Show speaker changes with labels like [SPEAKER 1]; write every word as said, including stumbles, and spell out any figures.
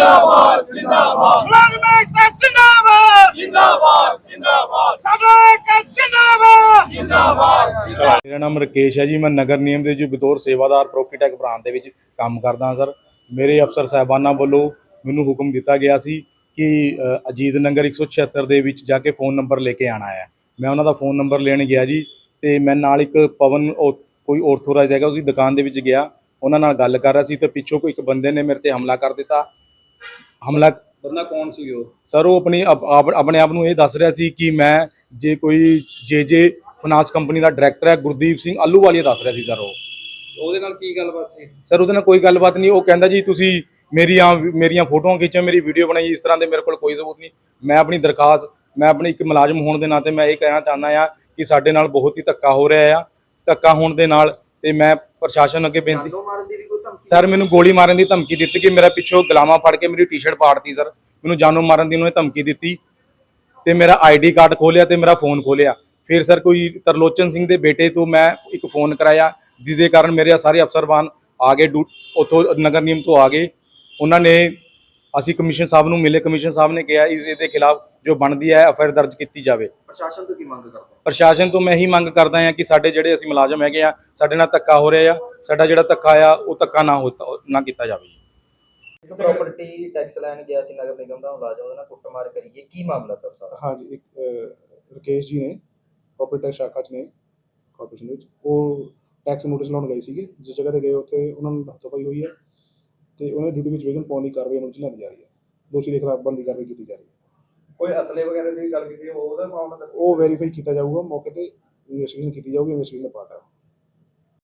[SPEAKER 1] जिंदाबाद जिंदाबाद मुलाजिम एकता जिंदाबाद जिंदाबाद जिंदाबाद साडा एकता जिंदाबाद जिंदाबाद
[SPEAKER 2] मेरा नाम राकेश है जी। मैं नगर निगम ਦੇ जो बतौर सेवादार ਪ੍ਰੋਪਰਟੀ ਬ੍ਰਾਂਚ ਦੇ ਵਿੱਚ ਕੰਮ ਕਰਦਾ ਹਾਂ ਸਰ। ਮੇਰੇ ਅਫਸਰ ਸਾਹਿਬਾਨਾਂ ਵੱਲੋਂ ਮੈਨੂੰ ਹੁਕਮ ਦਿੱਤਾ ਗਿਆ ਸੀ ਕਿ ਅਜੀਤ ਨਗਰ ਇੱਕ ਸੌ ਛਿਹੱਤਰ ਦੇ ਵਿੱਚ ਜਾ ਕੇ फ़ोन ਨੰਬਰ ਲੈ ਕੇ ਆਉਣਾ ਹੈ। ਮੈਂ ਉਹਨਾਂ ਦਾ फ़ोन ਨੰਬਰ ਲੈਣ ਗਿਆ ਜੀ ਤੇ ਮੈਂ ਨਾਲ ਇੱਕ ਪਵਨ ਕੋਈ ਆਰਥੋਰਾਈਜ਼ ਹੈਗਾ ਉਸਦੀ ਦੁਕਾਨ ਦੇ ਵਿੱਚ ਗਿਆ। ਉਹਨਾਂ ਨਾਲ ਗੱਲ ਕਰ ਰਿਹਾ ਸੀ ਤੇ ਪਿੱਛੋਂ ਕੋਈ ਇੱਕ ਬੰਦੇ ਨੇ ਮੇਰੇ ਤੇ ਹਮਲਾ ਕਰ ਦਿੱਤਾ। ਹਮਲਾ
[SPEAKER 3] ਬੰਦਾ ਕੌਣ ਸੀ ਉਹ?
[SPEAKER 2] ਸਰ ਉਹ ਆਪਣੀ ਆਪਣੇ ਆਪ ਨੂੰ ਇਹ ਦੱਸ ਰਿਹਾ ਸੀ ਕਿ ਮੈਂ ਜੇ ਕੋਈ ਜੇ ਜੇ ਫਾਈਨਾਂਸ ਕੰਪਨੀ ਦਾ ਡਾਇਰੈਕਟਰ ਹੈ ਗੁਰਦੀਪ ਸਿੰਘ ਆਲੂਵਾਲੀਆ ਦੱਸ ਰਿਹਾ ਸੀ ਸਰ। ਉਹ
[SPEAKER 3] ਉਹਦੇ ਨਾਲ ਕੀ ਗੱਲਬਾਤ ਸੀ
[SPEAKER 2] ਸਰ? ਉਹਦੇ ਨਾਲ ਕੋਈ ਗੱਲਬਾਤ ਨਹੀਂ। ਉਹ ਕਹਿੰਦਾ ਜੀ ਤੁਸੀਂ ਮੇਰੀਆਂ ਮੇਰੀਆਂ ਫੋਟੋਆਂ ਖਿੱਚੋ, ਮੇਰੀ ਵੀਡੀਓ ਬਣਾਈ, ਇਸ ਤਰ੍ਹਾਂ ਦੇ ਮੇਰੇ ਕੋਲ ਕੋਈ ਸਬੂਤ ਨਹੀਂ। ਮੈਂ ਆਪਣੀ ਦਰਖਾਸਤ ਮੈਂ ਆਪਣੀ ਇੱਕ ਮੁਲਾਜ਼ਮ ਹੋਣ ਦੇ ਨਾਤੇ ਮੈਂ ਇਹ ਕਹਿਣਾ ਚਾਹੁੰਦਾ ਆ ਕਿ ਸਾਡੇ ਨਾਲ ਬਹੁਤ ਹੀ ਧੱਕਾ ਹੋ ਰਿਹਾ ਆ। ਧੱਕਾ ਹੋਣ ਦੇ ਨਾਲ ਤੇ ਮੈਂ ਪ੍ਰਸ਼ਾਸਨ ਅੱਗੇ ਬੇਨਤੀ ਸਰ ਮੈਨੂੰ ਗੋਲੀ ਮਾਰਨ ਦੀ ਧਮਕੀ ਦਿੱਤੀ ਕਿ ਮੇਰਾ ਪਿੱਛੋਂ ਗੁਲਾਮਾਂ ਫੜ ਕੇ ਮੇਰੀ ਟੀ-ਸ਼ਰਟ ਪਾੜਤੀ ਸਰ। ਮੈਨੂੰ ਜਾਨੋਂ ਮਾਰਨ ਦੀ ਉਹਨੇ ਧਮਕੀ ਦਿੱਤੀ ਤੇ ਮੇਰਾ ਆਈਡੀ ਕਾਰਡ ਖੋਲਿਆ ਤੇ ਮੇਰਾ ਫੋਨ ਖੋਲਿਆ। ਫਿਰ ਸਰ ਕੋਈ ਤਰਲੋਚਨ ਸਿੰਘ ਦੇ ਬੇਟੇ ਤੋਂ ਮੈਂ ਇੱਕ फ़ोन ਕਰਾਇਆ ਜਿਹਦੇ ਕਾਰਨ ਮੇਰੇ ਸਾਰੇ ਅਫਸਰਬਾਨ ਆ ਗਏ, ਉੱਥੋਂ ਨਗਰ ਨਿਗਮ ਤੋਂ ਆ ਗਏ। ਉਹਨਾਂ ਨੇ ਅਸੀਂ ਕਮਿਸ਼ਨ ਸਾਹਿਬ ਨੂੰ ਮਿਲੇ। ਕਮਿਸ਼ਨ ਸਾਹਿਬ ਨੇ ਕਿਹਾ ਇਸ ਦੇ ਖਿਲਾਫ ਜੋ ਬਣਦੀ ਹੈ ਐਫ ਆਈ ਆਰ ਦਰਜ ਕੀਤੀ ਜਾਵੇ।
[SPEAKER 3] ਪ੍ਰਸ਼ਾਸਨ ਤੋਂ ਕੀ ਮੰਗ ਕਰਦੇ?
[SPEAKER 2] ਪ੍ਰਸ਼ਾਸਨ ਤੋਂ ਮੈਂ ਇਹੀ ਮੰਗ ਕਰਦਾ ਹਾਂ ਕਿ ਸਾਡੇ ਜਿਹੜੇ ਅਸੀਂ ਮੁਲਾਜ਼ਮ ਹੈਗੇ ਆ ਸਾਡੇ ਨਾਲ ਧੱਕਾ ਹੋ ਰਿਹਾ ਆ, ਸਾਡਾ ਜਿਹੜਾ ਧੱਕਾ ਆ ਉਹ ਧੱਕਾ ਨਾ ਹੋ ਨਾ ਕੀਤਾ ਜਾਵੇ।
[SPEAKER 4] ਇੱਕ ਪ੍ਰਾਪਰਟੀ ਟੈਕਸ ਲੈਣ ਗਿਆ ਸੀ ਨਗਰ ਨਿਗਮ ਦਾ ਮੁਲਾਜ਼ਮ, ਉਹਦੇ ਨਾਲ ਕੁੱਟਮਾਰ ਕਰੀਏ, ਕੀ ਮਾਮਲਾ ਸਰ ਸਾਰਾ?
[SPEAKER 5] हाँ जी, एक ਰਕੇਸ਼ ਜੀ ਨੇ ਪ੍ਰੋਪਰਟੀ ਟੈਕਸ ਸ਼ਾਖਾ 'ਚ ਨੇ ਕਾਰਪੋਰੇਸ਼ਨ ਵਿੱਚ, ਉਹ ਟੈਕਸ ਨੋਟਿਸ ਲਾਉਣ ਗਏ ਸੀਗੇ। ਜਿਸ ਜਗ੍ਹਾ 'ਤੇ ਗਏ ਉੱਥੇ ਉਹਨਾਂ ਨੂੰ ਹੱਥੋਂ-ਪਾਈ ਹੋਈ ਹੈ ਤੇ ਉਹਨਾਂ ਦੀ ਡਿਊਟੀ ਵਿੱਚ ਵਿਘਨ ਪਾਉਣ ਦੀ ਕਾਰਵਾਈ ਉਹਨਾਂ ਵਿੱਚ ਲਿਆਂਦੀ ਜਾ ਰਹੀ ਹੈ। ਦੋਸ਼ੀ ਦੇ ਖਿਲਾਫ ਬਣਦੀ ਕਾਰਵਾਈ ਕੀਤੀ ਜਾ ਰਹੀ ਹੈ।
[SPEAKER 3] ਕੋਈ ਅਸਲੇ ਵਗੈਰਾ ਦੀ ਗੱਲ ਕੀਤੀ ਉਹਦਾ ਮਾਮਲਾ
[SPEAKER 5] ਉਹ ਵੈਰੀਫਾਈ ਕੀਤਾ ਜਾਊਗਾ, ਮੌਕੇ ਤੇ ਇਨਵੈਸਟੀਗੇਸ਼ਨ ਕੀਤੀ ਜਾਊਗੀ। ਇਨਵੈਸਟੀਗੇਸ਼ਨ ਦਾ ਪਾਰਟ ਹੈ।